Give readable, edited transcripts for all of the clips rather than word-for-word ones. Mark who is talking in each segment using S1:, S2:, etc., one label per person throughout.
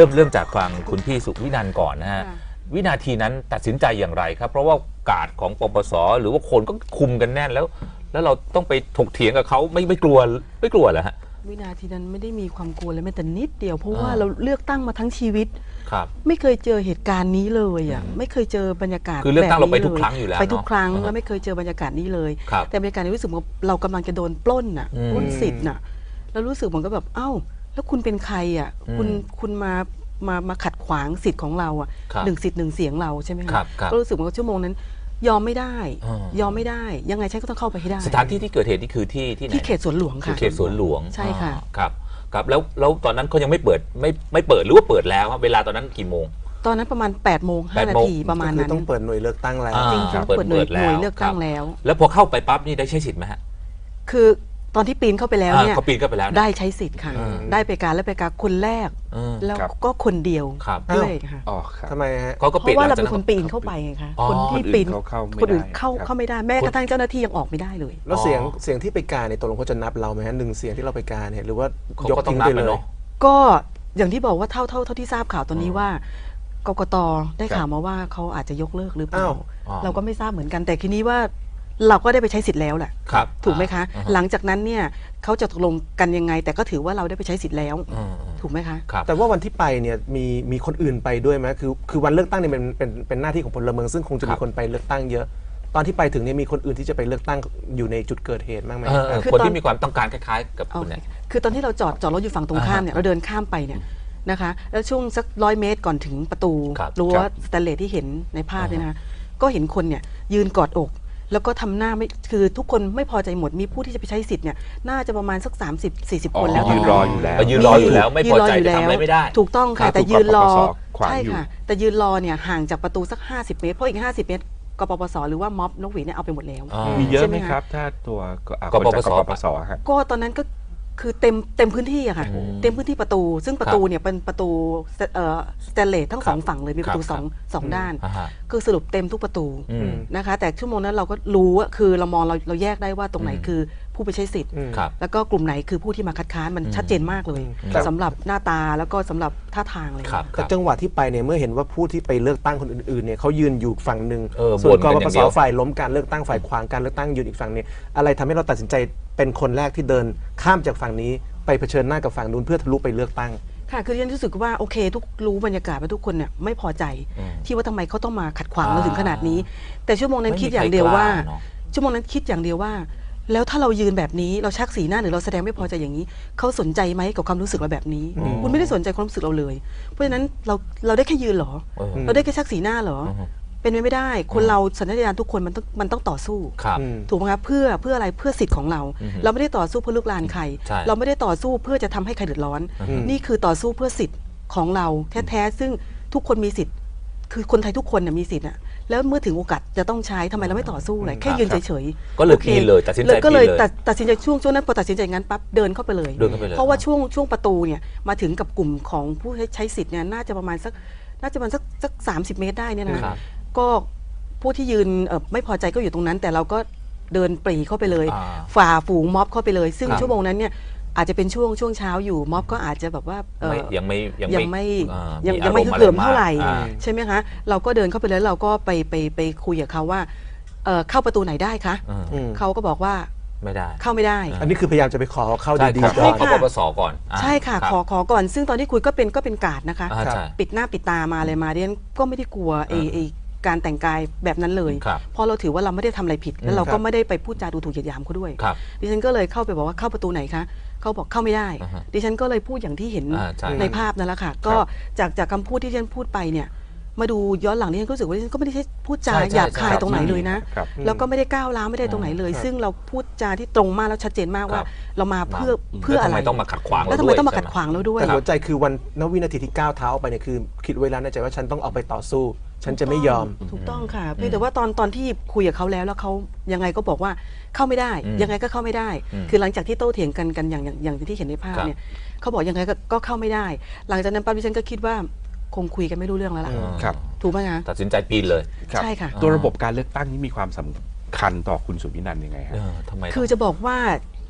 S1: เริ่มจากฟังคุณพี่สุวินันท์ก่อนนะฮะวินาทีนั้นตัดสินใจอย่างไรครับเพราะว่ากาดของปปสหรือว่าคนก็คุมกันแน่นแล้วเราต้องไปถกเถียงกับเขาไม่กลัวเหรอฮะ
S2: วินาทีนั้นไม่ได้มีความกลัวเลยแม้แต่นิดเดียวเพราะว่าเราเลือกตั้งมาทั้งชีวิตไม่เคยเจอเหตุการณ์นี้เลยอ่ะไม่เคยเจอบรรยากาศ
S1: คือเลือกตั้งเราไปทุกครั้งอยู่แล้ว
S2: ไปทุกครั้งแล้วไม่เคยเจอบรรยากาศนี้เลยแต่บรรยากาศนี้รู้สึกว่าเรากำลังจะโดนปล้นอ่ะปล้นสิทธิ์น่ะแล้วรู้สึกเหมือนกับแบบเอ้าแล้วคุณเป็นใครอ่ะคุณมาขัดขวางสิทธิ์ของเราอ่ะหนึ่งสิทธิ์หนึ่งเสียงเราใช่ไหมคะก็รู้สึกว่าชั่วโมงนั้นยอมไม่ได้ยังไงฉันก็ต้องเข้าไปให้ได้
S1: สถานที่ที่เกิดเหตุนี่คือที่ไหน
S2: ที่เขตสวนหลวงค่ะ
S1: เขตสวนหลวง
S2: ใช่ค่ะ
S1: ครับแล้วตอนนั้นเขายังไม่เปิดไม่เปิดหรือว่าเปิดแล้วเวลาตอนนั้นกี่โมง
S2: ตอนนั้นประมาณ8 โมง 5 นาทีประมาณนั้น
S3: ต้องเปิดหน่วยเลือกตั้งแล้ว
S2: จริงๆเปิดหน่วยเลือกตั้ง
S1: แล้วพอเข้าไปปั๊บนี่ได้ใช้สิทธิ์ไหมฮะ
S2: คือตอนที่ปีนเข้าไปแล้วเนี่ย
S1: เขาปีนเข้าไปแล้ว
S2: ได้ใช้สิทธิ์ค่ะได้ไปการและไปการคนแรกแล้วก็คนเดียวด้วยค่ะ
S3: ทำไมฮะ
S2: เพราะว่าเราเป็นคนปีนเข้าไปไงคะคนที่ปีนคนอื่นเข้าไม่ได้แม้กระทั่งเจ้าหน้าที่ยังออกไม่ได้เลย
S3: แล้วเสียงที่ไปการในตกลงเขาจะนับเราไหมฮะ1 เสียงที่เราไปการเนี่ยหรือว่ายกทิ้งไปเลย
S2: ก็อย่างที่บอกว่าเท่าที่ทราบข่าวตอนนี้ว่ากกต.ได้ข่าวมาว่าเขาอาจจะยกเลิกหรือเปล่าเราก็ไม่ทราบเหมือนกันแต่ทีนี้ว่าเราก็ได้ไปใช้สิทธิ์แล้วแหละถูกไหมคะหลังจากนั้นเนี่ยเขาจะตกลงกันยังไงแต่ก็ถือว่าเราได้ไปใช้สิทธิ์แล้วถูกไหมคะ
S3: แต่ว่าวันที่ไปเนี่ยมีคนอื่นไปด้วยไหมคือวันเลือกตั้งเนี่ยเป็นหน้าที่ของพลเมืองซึ่งคงจะมีคนไปเลือกตั้งเยอะตอนที่ไปถึงเนี่ยมีคนอื่นที่จะไปเลือกตั้งอยู่ในจุดเกิดเหตุบ้างไหม
S1: คนที่มีความต้องการคล้ายๆกับคุณเนี่ย
S2: คือตอนที่เราจอดรถอยู่ฝั่งตรงข้ามเนี่ยเราเดินข้ามไปเนี่ยนะคะแล้วช่วงสัก100 เมตรก่อนถึงประตูรั้วสแตนเลสที่เห็นในภาพเนี่ยนะก็เห็นคนเนี่ยยืนกอดอกแล้วก็ทำหน้าไม่คือทุกคนไม่พอใจหมดมีผู้ที่จะไปใช้สิทธิ์เนี่ยน่าจะประมาณสัก30-40 คนแล้ว
S1: ยืนรออยู่แล้วไม่พอใจจะทำอะไรไม่ได้
S2: ถูกต้องค่ะแต่ยืนรอใช่ค่ะแต่ยืนรอเนี่ยห่างจากประตูสัก50 เมตรเพราะอีก50 เมตรกปปสหรือว่าม็อบนกหวีเนี่ยเอาไปหมดแล้ว
S4: มีเยอะไหมครับถ้าตัว
S1: กปปส
S2: ก็ตอนนั้นก็คือเต็มพื้นที่อะค่ะเต็มพื้นที่ประตูซึ่งประตูเนี่ยเป็นประตูสแตนเลสทั้ง2 ฝั่งเลยมีประตูสองด้านคือสรุปเต็มทุกประตูนะคะแต่ชั่วโมงนั้นเราก็รู้ว่าคือเรามองเราแยกได้ว่าตรงไหนคือผู้ไปใช้สิทธิ์แล้วก็กลุ่มไหนคือผู้ที่มาคัดค้านมันชัดเจนมากเลยสำหรับหน้าตาแล้วก็สำหรับท่าทางเลย
S3: แต่จังหวะที่ไปเนี่ยเมื่อเห็นว่าผู้ที่ไปเลือกตั้งคนอื่นๆเนี่ยเขายืนอยู่ฝั่งหนึ่งส่วนกปปสฝ่ายล้มการเลือกตั้งฝ่ายขวางการเลือกตั้งยืนอีกฝั่งนี้อะไรทำให้เราตัดสินใจเป็นคนแรกที่เดินข้ามจากฝั่งนี้ไปเผชิญหน้ากับฝั่งนู้นเพื่อทะลุไปเลือกตั้ง
S2: ค่ะคือฉันรู้สึกว่าโอเครู้บรรยากาศว่าทุกคนเนี่ยไม่พอใจที่ว่าทำไมเขาต้องมาขัดขวางเราถึงขนาดนี้แต่ชั่วโมงนั้นคิดอย่างเดียวว่าแล้วถ้าเรายืนแบบนี้เราชักสีหน้าหรือเราแสดงไม่พอใจอย่างนี้เขาสนใจไหมกับความรู้สึกเราแบบนี้คุณไม่ได้สนใจความรู้สึกเราเลยเพราะฉะนั้นเราได้แค่ยืนหรอเราได้แค่ชักสีหน้าหรอเป็นไม่ได้คนเราสัญชาตญาณทุกคนมันต้องต่อสู้ถูกไหมครับเพื่ออะไรเพื่อสิทธิ์ของเราเราไม่ได้ต่อสู้เพื่อลุกลานใครเราไม่ได้ต่อสู้เพื่อจะทำให้ใครเดือดร้อนนี่คือต่อสู้เพื่อสิทธิ์ของเราแท้ๆซึ่งทุกคนมีสิทธิ์คือคนไทยทุกคนมีสิทธิ์นะแล้วเมื่อถึงโอกาสจะต้องใช้ทำไมเราไม่ต่อสู้เลยแค่ยืนเฉย
S1: ๆก็เลยปีนเลยตัดสินใจ
S2: ก็เลยตัดสินใจช่วงนั้นพอตัดสินใจงั้นปั๊บเดินเข้าไปเลยเพราะว่าช่วงประตูเนี่ยมาถึงกับกลุ่มของผู้ใช้สิทธิ์เนี่ยน่าจะประมาณสัก30 เมตรได้เนี่ยนะก็ผู้ที่ยืนไม่พอใจก็อยู่ตรงนั้นแต่เราก็เดินปรีเข้าไปเลยฝ่าฝูงม็อบเข้าไปเลยซึ่งชั่วโมงนั้นเนี่ยอาจจะเป็นช่วงเช้าอยู่ม็อบก็อาจจะแบบว่า
S1: ยังไม่
S2: ฮึกเหิมเท่าไหร่ใช่ไหมคะเราก็เดินเข้าไปแล้วเราก็ไปคุยกับเขาว่าเข้าประตูไหนได้คะเขาก็บอกว่า
S1: ไม่ได้
S2: เข้าไม่ได้
S3: อันนี้คือพยายามจะไปขอเข้าดี
S1: ๆขอปปสก่อน
S2: ใช่ค่ะขอก่อนซึ่งตอนที่คุยก็เป็นการ์ดนะคะปิดหน้าปิดตามาอะไรมาเรียนก็ไม่ได้กลัวการแต่งกายแบบนั้นเลยเพราะเราถือว่าเราไม่ได้ทำอะไรผิดแล้วเราก็ไม่ได้ไปพูดจาดูถูกเหยียดหยามเขาด้วยดิฉันก็เลยเข้าไปบอกว่าเข้าประตูไหนคะเขาบอกเข้าไม่ได้ดิฉันก็เลยพูดอย่างที่เห็นในภาพนั่นแหละค่ะก็จากคำพูดที่ดิฉันพูดไปเนี่ยมาดูย้อนหลังดิฉันก็รู้สึกว่าดิฉันก็ไม่ได้พูดจาหยาบคายตรงไหนเลยนะแล้วก็ไม่ได้ก้าวร้าวไม่ได้ตรงไหนเลยซึ่งเราพูดจาที่ตรงมากแล้วชัดเจนมากว่าเรามาเพื่ออะไร
S1: ทำไมต้องมาขัดขวาง
S2: แล้วทำไมต้องมาขัดขวางเราด้วย
S3: แต่หัวใจคือวันวินาทีที่ก้าวเท้าออกไปเนี่ยคือคิดไว้แล้วในใจว่าฉันต้องเอาไปต่อสู้ฉันจะไม่ยอม
S2: ถูกต้องค่ะเพียงแต่ว่าตอนที่คุยกับเขาแล้วเขายังไงก็บอกว่าเข้าไม่ได้ยังไงก็เข้าไม่ได้คือหลังจากที่โต้เถียงกันอย่างที่เห็นในภาพเนี่ยเขาบอกยังไงก็เข้าไม่ได้หลังจากนั้นปั๊บดิฉันก็คิดว่าคงคุยกันไม่รู้เรื่องแล้วล่ะถูกไหมคะ
S1: ตัดสินใจปีนเลย
S2: ใช่ค่ะ
S4: ตัวระบบการเลือกตั้งนี้มีความสำคัญต่อคุณสุวินันท์ยังไงครับ
S2: คือจะบอกว่า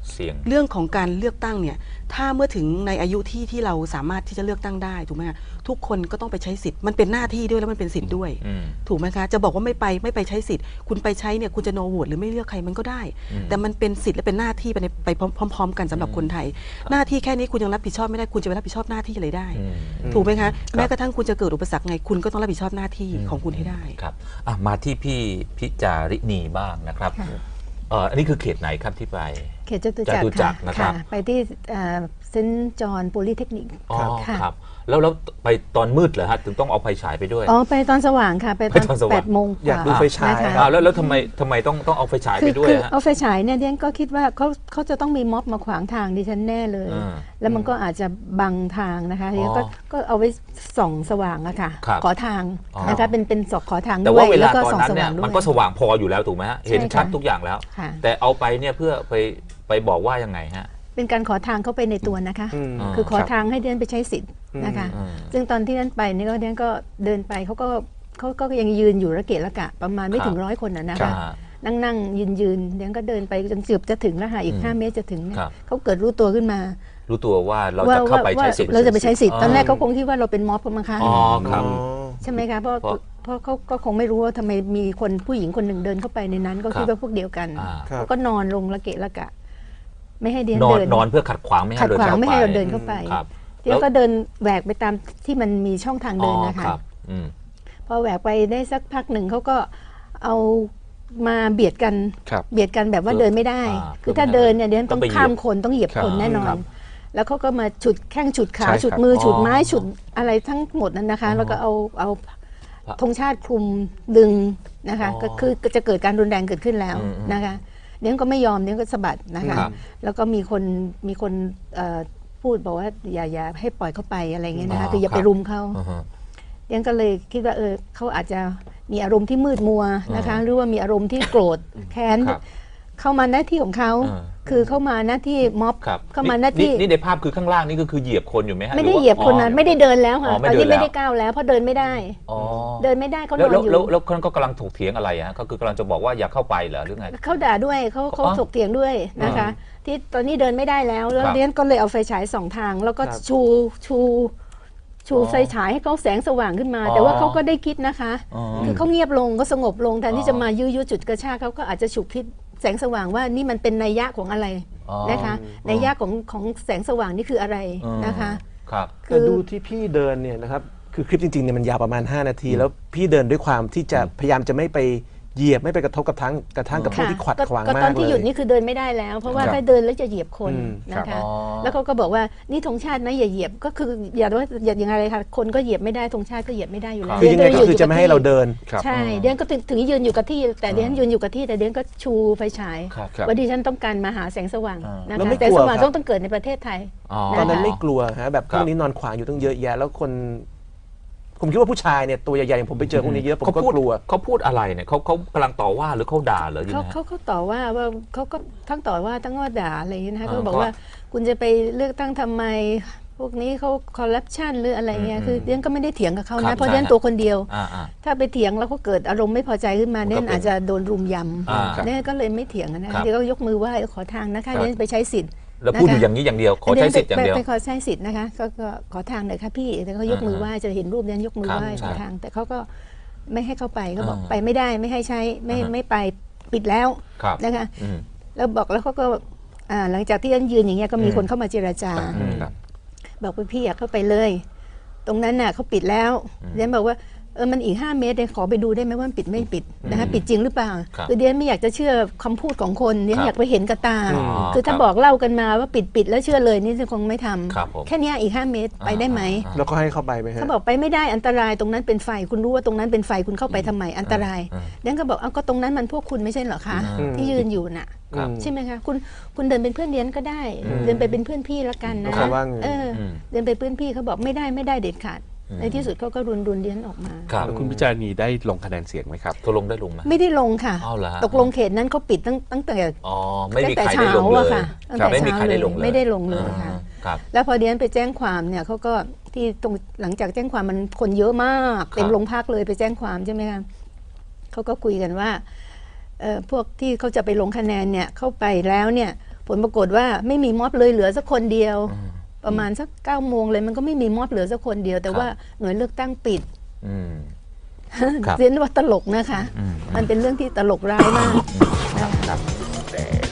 S1: เสี่ยง
S2: เรื่องของการเลือกตั้งเนี่ยถ้าเมื่อถึงในอายุที่เราสามารถที่จะเลือกตั้งได้ถูกไหมคะทุกคนก็ต้องไปใช้สิทธิ์มันเป็นหน้าที่ด้วยแล้วมันเป็นสิทธิ์ด้วยถูกไหมคะจะบอกว่าไม่ไปใช้สิทธิ์คุณไปใช้เนี่ยคุณจะโนโหวตหรือไม่เลือกใครมันก็ได้ แต่มันเป็นสิทธิ์และเป็นหน้าที่ไปพร้อมๆกันสำหรับคนไทยหน้าที่แค่นี้คุณยังรับผิดชอบไม่ได้คุณจะไปรับผิดชอบหน้าที่อะไรได้ถูกไหมคะแม้กระทั่งคุณจะเกิดอุปสรรคไงคุณก็ต้องรับผิดชอบหน้าที่ของคุณให้ได้
S1: ครับมาที่พี่พิจาริณีบ้างนะครับอันนี้คือเขตไหนครับที่ไป
S5: เขตจตุจักร
S1: นะครับ
S5: ไปที่เซนต์จอห์นโพลีเทคนิค
S1: ครับแล้วไปตอนมืดเหรอฮะถึงต้องเอาไฟฉายไปด้วย
S5: ไปตอนสว่างค่ะไปตอน8 โมง
S3: อยากดูไฟฉาย
S1: แล้วทำไมต้องเอาไฟฉายไปด้วยฮะ
S5: เอาไฟฉายเนี่ยดิฉันก็คิดว่าเขาจะต้องมีม็อบมาขวางทางดิฉันแน่เลยแล้วมันก็อาจจะบังทางนะคะดิฉันก็เอาไว้ส่องสว่างอะค่ะขอทางนะคะเป็นสอกขอทางด้วย
S1: แต่ว่าเวลาตอนนั้นเนี่ยมันก็สว่างพออยู่แล้วถูกไหมฮะเห็นชัดทุกอย่างแล้วแต่เอาไปเนี่ยเพื่อไปบอกว่ายังไงฮะ
S5: เป็นการขอทางเข้าไปในตัวนะคะคือขอทางให้เดินไปใช้สิทธิ์นะคะซึ่งตอนที่นั้นไปนี่ก็เดินก็เดินไปเขาก็ยังยืนอยู่ระเกะระกะประมาณไม่ถึง100 คนนะคะนั่งยืนเดินก็เดินไปจนเกือบจะถึงแล้วค่ะอีก5 เมตรจะถึงเขาเกิดรู้ตัวขึ้นมา
S1: รู้ตัวว่าเราจะเข้าไปใช้สิทธิ์
S5: เราจะไปใช้สิทธิ์ตอนแรกเขาคงคิดว่าเราเป็นม็อบกันมั้งคะ
S1: ครับ
S5: ใช่ไหมคะเพราะเขาก็คงไม่รู้ว่าทำไมมีคนผู้หญิงคนหนึ่งเดินเข้าไปในนั้นก็คิดว่าพวกเดียวกันเขาก็นอนลงระเกะระกะไม่ให้เดิน
S1: นอนเพื่อขัดขวางไม่ให้
S5: เราเดินเข้าไปเดี๋ยวก็เดินแหวกไปตามที่มันมีช่องทางเดินนะคะพอแหวกไปได้สักพักหนึ่งเขาก็เอามาเบียดกันแบบว่าเดินไม่ได้คือถ้าเดินเนี่ยเดินต้องข้ามคนต้องเหยียบคนแน่นอนแล้วเขาก็มาฉุดแข้งฉุดขาฉุดมือฉุดไม้ฉุดอะไรทั้งหมดนั้นนะคะแล้วก็เอาธงชาติคลุมดึงนะคะก็คือจะเกิดการรุนแรงเกิดขึ้นแล้วนะคะเดี๋ยวก็ไม่ยอมเดี๋ยวก็สะบัดนะคะแล้วก็มีคนพูดบอกว่าอย่าให้ปล่อยเข้าไปอะไรเงี้ยนะคะคืออย่าไปรุมเขาเดี๋ยวก็เลยคิดว่าเขาอาจจะมีอารมณ์ที่มืดมัวนะคะหรือว่ามีอารมณ์ที่โกรธแค้นเข้ามาหน้าที่ของเขาคือเข้ามาหน้าที่ม็อบเข้ามาหน้าที่
S1: นี่ในภาพคือข้างล่างนี่ก็คือเหยียบคนอยู่ไหมฮะ
S5: ไม่ได้เหยียบคนนะไม่ได้เดินแล้วค่ะตอนนี้ไม่ได้ก้าวแล้วเพราะเดินไม่ได้เดินไม่ได้เขานอนอยู่
S1: แล้วเขาก็กำลังถกเถียงอะไรฮะเขาคือกำลังจะบอกว่าอย่าเข้าไปเหรอหรือไง
S5: เขาด่าด้วยเขาถกเถียงด้วยนะคะที่ตอนนี้เดินไม่ได้แล้วเรียนก็เลยเอาไฟฉาย2 ทางแล้วก็ชูไฟฉายให้เขาแสงสว่างขึ้นมาแต่ว่าเขาก็ได้คิดนะคะคือเขาเงียบลงก็สงบลงแทนที่จะมายื้อจุดกระชากเขาก็อาจจะฉุกคิดแสงสว่างว่านี่มันเป็นนัยยะของอะไรนะคะนัยยะของแสงสว่างนี่คืออะไรนะคะ
S3: แต่ดูที่พี่เดินเนี่ยนะครับคือคลิปจริงๆเนี่ยมันยาวประมาณ5 นาทีแล้วพี่เดินด้วยความที่จะพยายามจะไม่ไปเหยียบไม่ไปกระทบกับกระทั่งกับผู้ที่ขวัดขวางมากเลย
S5: ตอนที่หยุดนี่คือเดินไม่ได้แล้วเพราะว่าถ้าเดินแล้วจะเหยียบคนนะคะแล้วเขาก็บอกว่านี่ธงชาตินะอย่าเหยียบก็คืออย่าว่าอย่างไรค่ะคนก็เหยียบไม่ได้ธงชาติก็เหยียบไม่ได้อยู่แล้ว
S3: คือยังไงก็คือจะไม่ให้เราเดิน
S5: ใช่เดือนก็ถึงยืนอยู่กับที่แต่เดือนยืนอยู่กับที่แต่เดือนก็ชูไฟฉายว่าดิฉันต้องการมาหาแสงสว่างนะคะแสงสว่างต้องเกิดในประเทศไทย
S3: ตอนนั้นไม่กลัวฮะแบบพวกนี้นอนขวางอยู่ตั้งเยอะแยะแล้วคนผมคิดว่าผู้ชายเนี่ยตัวใหญ่ๆอย่างผมไปเจอพวกนี้เยอะผมก็กลัว
S1: เขาพูดอะไรเนี่ยเขากำลังต่อว่าหรือเขาด่าหรือยังไง
S5: เขาต่อว่าเขาก็ทั้งต่อว่าทั้งว่าด่าอะไรอย่างนี้นะคะเขาบอกว่าคุณจะไปเลือกตั้งทำไมพวกนี้เขาคอร์รัปชันหรืออะไรเงี้ยคือเดียนก็ไม่ได้เถียงกับเขานะเพราะเดียนตัวคนเดียวถ้าไปเถียงแล้วเขาเกิดอารมณ์ไม่พอใจขึ้นมาเนี่ยอาจจะโดนรุมยำเนี่ยก็เลยไม่เถียงนะเดียนก็ยกมือไหว้ขอทางนะคะเดียนไปใช้สิทธิ์
S1: แล้วพูดอยู่อย่างนี้อย่างเดียวขอใช้สิทธิ์อย่างเดียว
S5: ไปขอใช้สิทธิ์นะคะก็ขอทางหน่อยค่ะพี่แต่เขายกมือไหว้จะเห็นรูปนั้นยกมือไหว้ขอทางแต่เขาก็ไม่ให้เข้าไปเขาบอกไปไม่ได้ไม่ให้ใช้ไม่ไปปิดแล้วนะคะแล้วบอกแล้วเขาก็หลังจากที่ยืนอย่างเงี้ยก็มีคนเข้ามาเจรจาบอกว่าพี่อยากเข้าไปเลยตรงนั้นน่ะเขาปิดแล้วเดียนบอกว่ามันอีก5 เมตรขอไปดูได้ไหมว่าปิดไม่ปิดนะคะปิดจริงหรือเปล่าคือเดียนไม่อยากจะเชื่อคำพูดของคนเดียนอยากไปเห็นกับตาคือถ้าบอกเล่ากันมาว่าปิดแล้วเชื่อเลยนี่คงไม่ทำแค่นี้อีก5 เมตรไปได้ไหม
S3: แล้วก็ให้เข้าไปไหม
S5: เขาบอกไปไม่ได้อันตรายตรงนั้นเป็นไฟคุณรู้ว่าตรงนั้นเป็นไฟคุณเข้าไปทำไมอันตรายเดียนก็บอกก็ตรงนั้นมันพวกคุณไม่ใช่เหรอคะที่ยืนอยู่น่ะใช่ไหมคะคุณเดินเป็นเพื่อนเดียนก็ได้เดินไปเป็นเพื่อนพี่ละกันนะเดินไปเพื่อนพี่เขาบอกไม่ได้เด็ดขาดในที่สุดเขาก็รุนเดียนออกมา
S4: คุณพิจารณีได้ลงคะแนนเสียงไหมครับ
S1: ตกลงได้ลงไหม
S5: ไม่ได้ลงค่ะตกลงเขตนั้นเขาปิดตั้งแต่
S1: เช้า
S5: อะค่ะตั้งแต่เช้าเลยไม่ได้ลงเลยค่ะแล้วพอเดียนไปแจ้งความเนี่ยเขาก็ที่ตรงหลังจากแจ้งความมันคนเยอะมากเต็มโรงพักเลยไปแจ้งความใช่ไหมคะเขาก็คุยกันว่าพวกที่เขาจะไปลงคะแนนเนี่ยเข้าไปแล้วเนี่ยผลปรากฏว่าไม่มีม็อบเลยเหลือสักคนเดียว ประมาณสัก9 โมงเลยมันก็ไม่มีม็อบเหลือสักคนเดียว แต่ว่าหน่วยเลือกตั้งปิดเรียนว่าตลกนะคะมันเป็นเรื่องที่ตลกร้ายมาก